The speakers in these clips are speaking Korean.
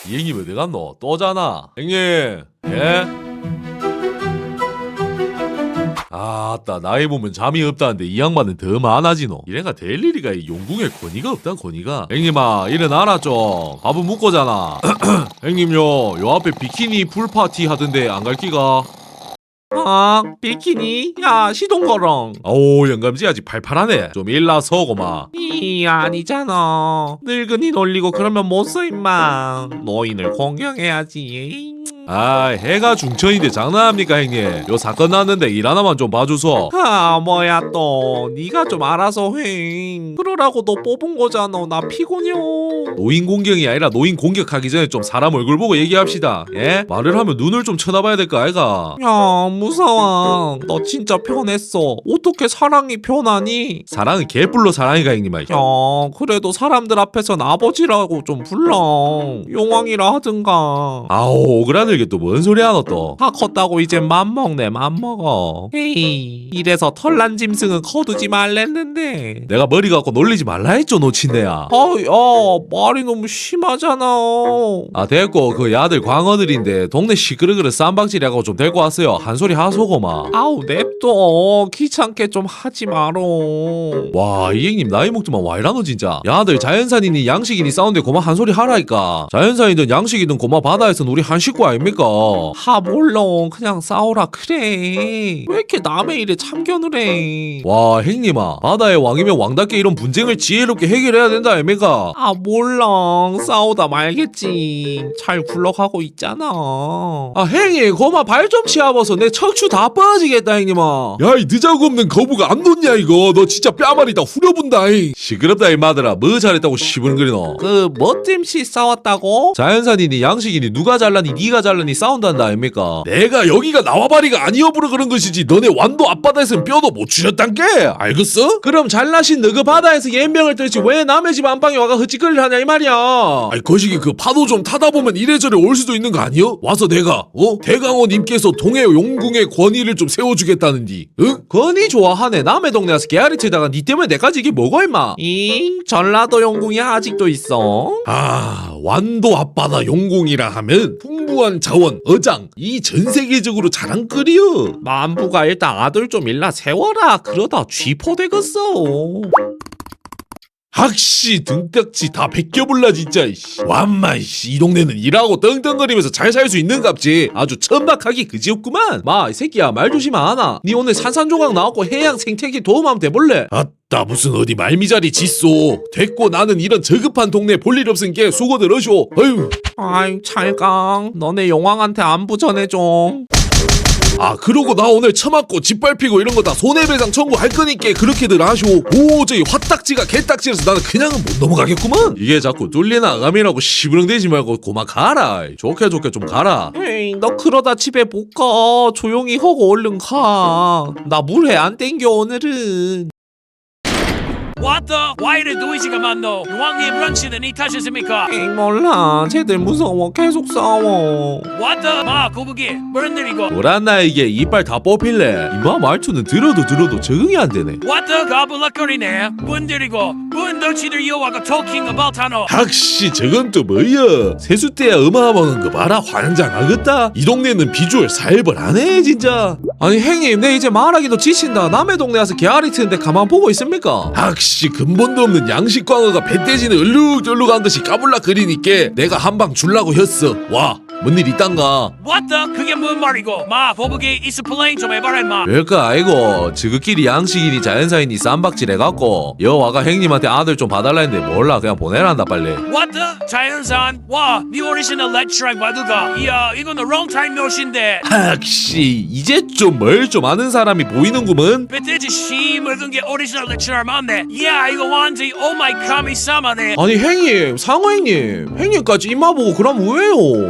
이 형님 어디 갔노? 또잖아. 형님. 예? 아따 나이 보면 잠이 없다는데 이 양반은 더 많아지노. 이래가 될 일이가 이 용궁에 권위가 없단 권위가. 형님아 일어나라 좀. 밥은 묵고잖아. 형님요 요 앞에 비키니 풀파티 하던데 안 갈 끼가? 아 비키니? 야 시동거렁. 오 영감지 아직 팔팔하네. 좀 일나서고 마. 이 아니잖아. 늙은이 놀리고 그러면 못 써 임마. 노인을 공경해야지. 아 해가 중천인데 장난합니까 형님. 요 사건 났는데 일 하나만 좀 봐주소. 아 뭐야 또 네가 좀 알아서 해. 그러라고 너 뽑은 거잖아. 나 피곤해요. 노인 공경이 아니라 노인 공격하기 전에 좀 사람 얼굴 보고 얘기합시다. 예? 말을 하면 눈을 좀 쳐다봐야 될 거 아이가. 야 무서워. 너 진짜 변했어. 어떻게 사랑이 변하니? 사랑은 개뿔로 사랑이가 형님아. 야 그래도 사람들 앞에선 아버지라고 좀 불러. 용왕이라 하든가. 아오 오그라들게 또 뭔 소리 하노 또. 다 컸다고 이제 맘먹네 맘먹어. 에이 이래서 털난 짐승은 거두지 말랬는데. 내가 머리 갖고 놀리지 말라 했죠 노친네야. 아야 말이 너무 심하잖아. 아 됐고 그 야들 광어들인데 동네 시끄러그르 쌈박질하고 좀 데리고 왔어요. 한 소리 하소고 마. 아우 냅둬. 귀찮게 좀 하지 마로. 와 이 형님 나이 먹지만 와 이라노 진짜. 야들 자연산이니 양식이니 싸운데 고마 한 소리 하라니까. 자연산이든 양식이든 고마 바다에선 우리 한 식구 아닙니까? 하 몰라 그냥 싸우라 그래. 왜 이렇게 남의 일에 참견을 해. 와 형님아 바다의 왕이면 왕답게 이런 분쟁을 지혜롭게 해결해야 된다 아닙니까? 아 몰라 싸우다 말겠지. 잘 굴러가고 있잖아. 아 형님 고마 발 좀 치아봐서 내 척추 다 빠지겠다 형님아. 야 이 느자고 없는 거부가 안 놓냐 이거. 너 진짜 뺨알이 다 후려본다 잉. 시끄럽다 이 마들아. 뭐 잘했다고 시부른거리노. 그 멋짐씨 싸웠다고? 자연산이니 양식이니 누가 잘라니 니가 잘라니 싸운단다 아닙니까? 내가 여기가 나와바리가 아니어부러 그런 것이지 너네 완도 앞바다에서는 뼈도 못 추렸단 게 알겠어? 그럼 잘나신 너그 바다에서 연병을 떨지 왜 남의 집 안방에 와가 헛짓거리를 하냐 이 말이야. 아이 거시기 그 파도 좀 타다 보면 이래저래 올 수도 있는 거 아니여? 와서 내가 대강호님께서 동해 용궁의 권위를 좀 세워주겠다는디. 응? 권위 좋아하네. 남의 동네 와서 개아리 치다가 니 때문에 내까지 이게 뭐고 임마. 잉 전라도 용궁이 아직도 있어? 아 완도 앞바다 용궁이라 하면 풍부한 자원 어장 이 전세계적으로 자랑거리여. 만부가 일단 아들 좀 일나 세워라. 그러다 쥐포되겠어. 학씨 등딱지 다 벗겨볼라 진짜. 완마 이 동네는 일하고 떵떵거리면서 잘 살 수 있는갑지. 아주 천박하기 그지없구만. 마 이 새끼야 말 조심 안 하나. 니 오늘 산산조각 나왔고 해양 생태계 도움하면 돼볼래? 나 무슨 어디 말미잘이 짓소. 됐고 나는 이런 저급한 동네 볼일 없은 게 수고들 하쇼. 어휴. 아이 찰강 너네 용왕한테 안부 전해줘. 아 그러고 나 오늘 처맞고 짓밟히고 이런 거 다 손해배상 청구할 거니까 그렇게들 하쇼. 오 저기 화딱지가 개딱지라서 나는 그냥은 못 넘어가겠구만. 이게 자꾸 뚫리나 아감이라고 시부렁대지 말고 고마 가라. 좋게 좋게 좀 가라. 에이 너 그러다 집에 못 가. 조용히 하고 얼른 가. 나 물회 안 땡겨 오늘은. What the? 와 이래 노이즈가 많노? 용왕님 런치는 이 탓이십니까? 에이 몰라 쟤들 무서워 계속 싸워. What the? 마 거북이 무슨 일이고? 뭐란나 이게 이빨 다 뽑힐래. 이마 말투는 들어도 적응이 안 되네. What the? 가불락거리네. 뭔들이고? 뭔 덩치들 여와가 talking about 하노? 학씨 저건 또 뭐야. 세숫대야 어마어마한 거 봐라. 환장 하겠다. 이 동네는 비주얼 살벌하네 진짜. 아니 형님 내 이제 말하기도 지친다. 남의 동네 와서 개아리 트는데 가만 보고 있습니까? 학씨 근본도 없는 양식광어가 배떼지는 얼룩덜룩한 듯이 까불락거리니까 내가 한방 줄라고 했어. 와 뭔 일 있단가? What the? 그게 뭔 말이고? 마 거북이 익스플레인 좀 해봐라 임마. 별거 아이고 지극끼리 양식이니 자연사이니 쌈박질 해갖고 여와가 형님한테 아들 좀 봐달라 했는데 몰라 그냥 보내란다 빨리. What the? 자연산? 와, 네 오리지널 렉처랑 와드가. 이야, 이거는 롱타임 노신데. 학씨 이제 좀 뭘 좀 아는 사람이 보이는구먼. 배때지 씨 묽은 게 오리지널 렉처랑 맞네. 이야, 이거 완전히 오마이 카미 사마네. 아니 형님 상호 형님까지 이마 보고 그럼 왜요? 헤이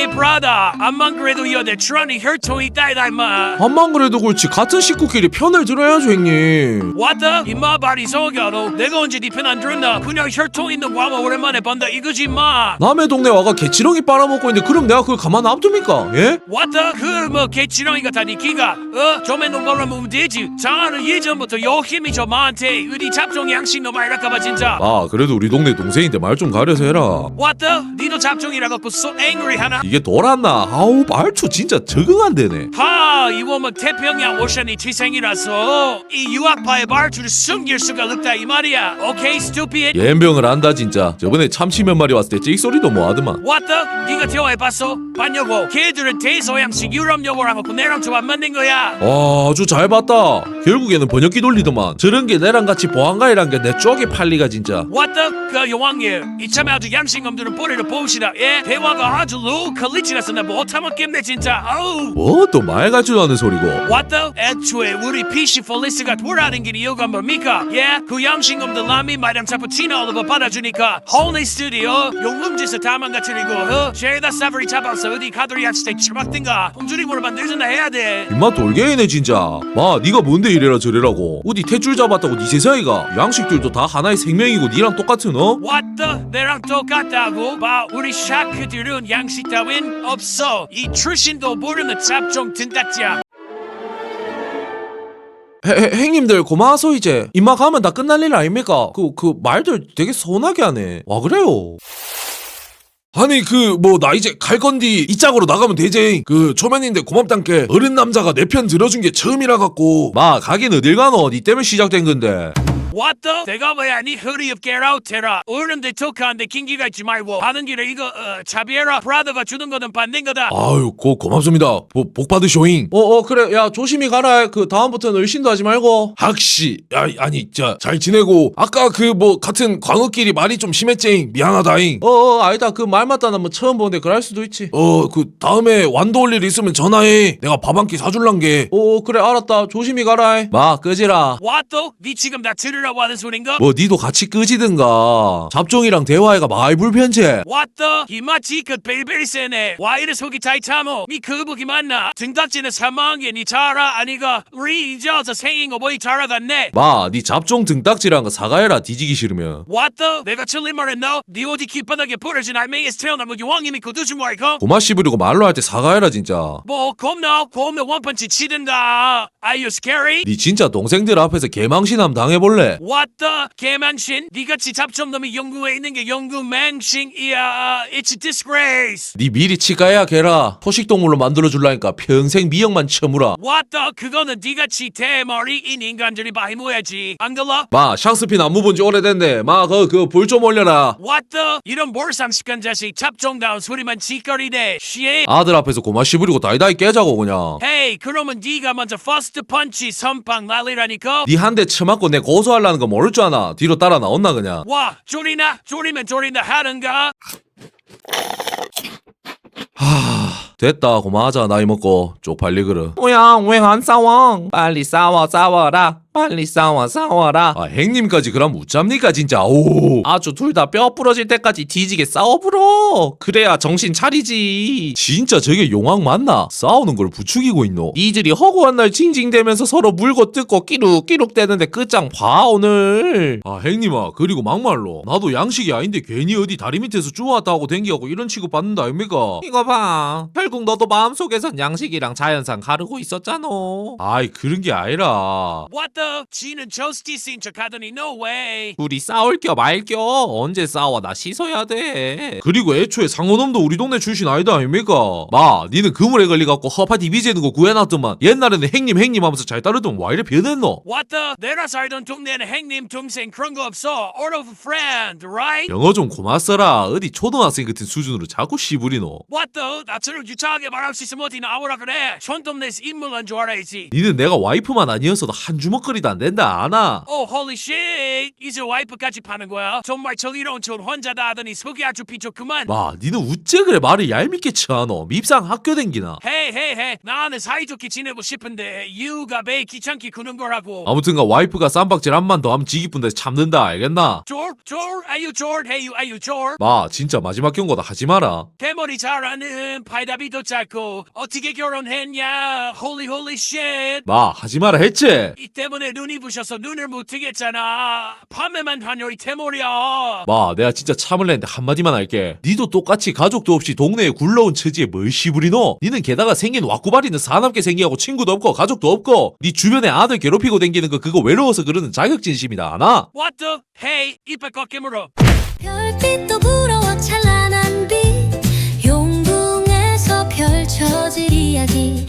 브라더 암만 그래도 여대 트런이 혈통이 있다 이다 임마. 암만 그래도 그렇지 같은 식구끼리 편을 들어야죠 형님. 왔다 임마 말이 속여도 내가 언제 네 편 안 들었나. 그냥 혈통 있는 과마 오랜만에 본다 이거지 임마. 남의 동네 와가 개치렁이 빨아먹고 있는데 그럼 내가 그걸 가만 놔둡니까? 예? 왔다 그 뭐 개치렁이가 다 니키가 좀에 농가로 하면 되지. 장하는 예전부터 요 힘이 저 마한테 어디 잡종 양식 너 말할까봐 진짜. 아 그래도 우리 동네 동생인데 말 좀 가려서 해라. 왔다 니도 잡종이라고 그 so angry 하나. 이게 돌았나? 아우 말투 진짜 적응 안 되네. 하 이거 뭐 태평양 오션이 취생이라서 이 유학파의 말투를 숨길 수가 없다 이 말이야. 오케이 stupid. 연병을 한다 진짜. 저번에 참치 몇 마리 왔을 때 찍소리도 뭐 하더만. 왔다 니가 대화해봤어? 봤냐고. 걔들은 대서양식 유럽 영어랑 고 내랑 좀 안 맞는 거야. 아주 잘 봤다. 결국에는 번역기 돌리더만. 저런 게 내랑 같이 보안가이란 게 내 쪽에 팔리가 진짜. 왔다 그 여왕님 이참에 아주 양식놈들은 뿌리를 보시다. 예 대화가 아주 low 퀄리티라서 나 못하먹겠네 진짜. 아우 뭐 또 말 같지도 않은 소리고. 왔다 애초에 우리 PC 폴리스가 돌아다닌 게 이유가 뭡니까? 예 그 양식놈들 라미 마담 차푸치노 올리버 받아주니까 홀리 스튜디오 용lum지에서 다만 같으리고 죄다 사버리 잡아서 어디 가두리 한스테 처박든가 홈주리모를 만들든가 해야 돼. 입맛 돌게이네 진짜. 마 니가 뭔데 이래라 저래라고. 어디 탯줄 잡았다고 니 세상이가. 양식들도 다 하나의 생명이고 니랑 똑같은 어? 왔다 내랑 똑같다고. 봐 우리 샤크들은 양식 따윈 없어. 이 출신도 모르는 잡종 든다짜. 행님들 고마워서 이제 입마 가면 다 끝날 일 아닙니까? 그 말들 되게 서운하게 하네. 와 그래요? 아니 그 뭐 나 이제 갈 건디 이 짝으로 나가면 되지. 그 초면인데 고맙단께 어른 남자가 내 편 들어준 게 처음이라 갖고. 마 가긴 어딜 가노. 니 때문에 시작된 건데. 왔다 내가 뭐야 니 허리 up get out 해라. 어른들 톡하는데 긴기가 있지 말고 하는 길에 이거 차비해라. 브라더가 주는 거는 받는 거다. 아유 고맙습니다. 복 받으쇼잉. 그래 야 조심히 가라. 그 다음부터는 의심도 하지 말고. 학시 야 아니 잘 지내고 아까 그 뭐 같은 광어끼리 말이 좀 심했쟁. 미안하다잉. 아니다 그 말 맞다 나 뭐 처음 보는데 그럴 수도 있지. 그 다음에 완도 올 일 있으면 전화해. 내가 밥 한 끼 사줄란 게. 그래 알았다. 조심히 가라. 마 끄지라. 왔다 니 지금 나 들으라고 하는 소린가? 뭐 니도 같이 끄지든가. 잡종이랑 대화해가 많이 불편제. 왔다 이마치 그 벨벨 세네. 와 이래 속이 타이타모 니 그거보기 맞나? 등딱지는 사망에 니 자라 아니가 우리 이제서 생인 거 보이 자라갔네. 마 니 잡종 등딱지란 거 사과해라. 뒤지기 싫으면. 왔다 내가 틀린 말 했나? 니 어디 깃바닥에 부러진 알맹이에서 태어난 뭐 여왕이 믿고 두지 말고. 고마 씨부리고 말로 할 때 사과해라 진짜. 뭐 겁나 원펀치 치든가. Are you scary? 니 진짜 동생들 앞에서 개망신함 당해볼래? 왔다 개망신 니같이 잡종놈이 영국에 있는 게 영국 망신이야. It's a disgrace. 니 미리 치과야 개라. 포식동물로 만들어줄라니까 평생 미역만 쳐무라. 왔다 그거는 니같이 대머리인 인간들이 많이 모야지 안 걸러? 마 샹스핀 안무 본지 오래됐네. 마 그 불 좀 올려라. 왔다 이런 몰상식한 자식 잡종다운 소리만 짓거리네. 쉣. 아들 앞에서 고마 씨부리고 다이다이 깨자고 그냥. 헤이 그러면 니가 먼저 퍼스트 펀치 선빵 날리라니까. 니 한 대 쳐맞고 내 고소하려는 거 모를 줄 아나. 뒤로 따라 나온나 그냥. 와 졸이나 졸이면 졸인다 하는가. 됐다 고마하자 나이 먹고 쪽팔리그르. 뭐야 왜 안 싸워? 빨리 싸워라. 빨리 싸워라. 아 행님까지 그럼 웃잡니까 진짜. 오 아주 둘 다 뼈 부러질 때까지 뒤지게 싸워불어. 그래야 정신 차리지. 진짜 저게 용왕 맞나? 싸우는 걸 부추기고 있노. 니들이 허구한 날 징징대면서 서로 물고 뜯고 끼룩끼룩 대는데 끝장 봐 오늘. 아 행님아 그리고 막말로 나도 양식이 아닌데 괜히 어디 다리 밑에서 주워왔다 하고 댕기하고 이런 취급 받는다 아닙니까? 이거 봐. 결국 너도 마음속에선 양식이랑 자연상 가르고 있었잖아. 아이 그런 게 아니라. 왔다 지는 저스티스인 척 하더니 no way. 우리 싸울 겨 말 겨. 언제 싸워 나 씻어야 돼. 그리고 애초에 상어놈도 우리 동네 출신 아니다 아닙니까? 마 니는 그물에 걸려갖고 허파 디비 재는 거 구해놨더만 옛날에는 행님 하면서 잘 따르던 와 이래 변했노? 왔다 내가 살던 동네는 행님 동생 그런 거 없어. All of a friend right? 영어 좀 고마 써라. 어디 초등학생 같은 수준으로 자꾸 씨부리노. 왔다 나처럼 유창하게 말할 수 있으면 어디 나오라 그래. 촌동네에서 인물한 줄 알아야지. 니는 내가 와이프만 아니었어도 한 주먹 먹거리도 안 된다 아나. Oh, holy shit! 이제 와이프까지 파는 거야? 정말 정의로운 촌 혼자다 하더니 속이 아주 비좁구만. 마 니는 우째 그래 말을 얄밉게 쳐하노. 밉상 학교 댕기나. 헤이, 나는 사이좋게 지내고 싶은데 유가 매 귀찮게 구는 거라고. 아무튼가 와이프가 쌈박질 한 번 더 하면 지기쁜데 참는다 알겠나? Are you George? 마 진짜 마지막 경고다 하지 마라. 대머리 잘하는 파이다비도 짧고 어떻게 결혼했냐? Holy shit! 마 하지 마라 했지? 이 때문에 눈이 부셔서 눈을 못 뜨겠잖아. 밤에만 다녀 이 대머리야. 마 내가 진짜 참을래 했는데 한마디만 할게. 니도 똑같이 가족도 없이 동네에 굴러온 처지에 뭘 시부리노? 니는 게다가 생긴 왁구바리는 사납게 생기하고 친구도 없고 가족도 없고 니 주변에 아들 괴롭히고 댕기는 거 그거 외로워서 그러는 자격진심이다 아나? What the? Hey, 이빨 꺾게 물어. 별빛도 부러워 찬란한 빛 용궁에서 펼쳐질 이야기